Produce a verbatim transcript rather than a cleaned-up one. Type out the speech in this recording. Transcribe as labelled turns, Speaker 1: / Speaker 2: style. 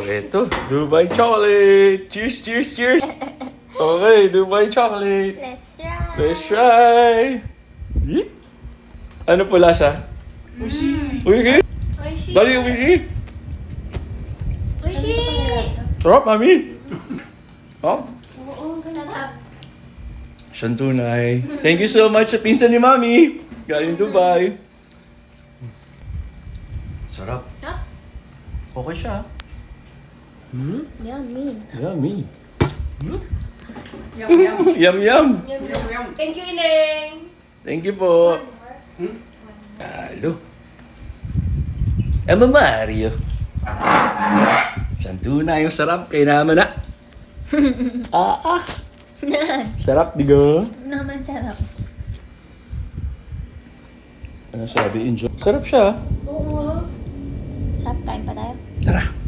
Speaker 1: Oh, eto. Dubai chocolate. Cheers, cheers, cheers. Okay, Dubai chocolate.
Speaker 2: Let's try.
Speaker 1: Let's try. Yeet. Ano po lasa?
Speaker 3: Ushi.
Speaker 1: Uy,
Speaker 2: Oishi.
Speaker 1: dali yung ushi.
Speaker 2: Oishi.
Speaker 1: Sarap, mami. Oh,
Speaker 2: Sarap.
Speaker 1: siyang tunay. Thank you so much sa pinsan ni mami. Galing Dubai. Sarap.
Speaker 2: Huh?
Speaker 1: Okay siya. Hmm?
Speaker 2: Yummy.
Speaker 1: Yummy. Hmm?
Speaker 3: Yum, yum.
Speaker 1: Yum, yum.
Speaker 3: Yum, yum. Thank you, Ineng.
Speaker 1: Thank you po. Halo. Emma Mario. Siyang tunay yung sarap. Kaya naman na. Ah, ah. Sarap, di ga?
Speaker 2: Naman sarap.
Speaker 1: Ano sabi? Enjoy. Sarap siya.
Speaker 2: Sarap, kain pa tayo.
Speaker 1: Tara.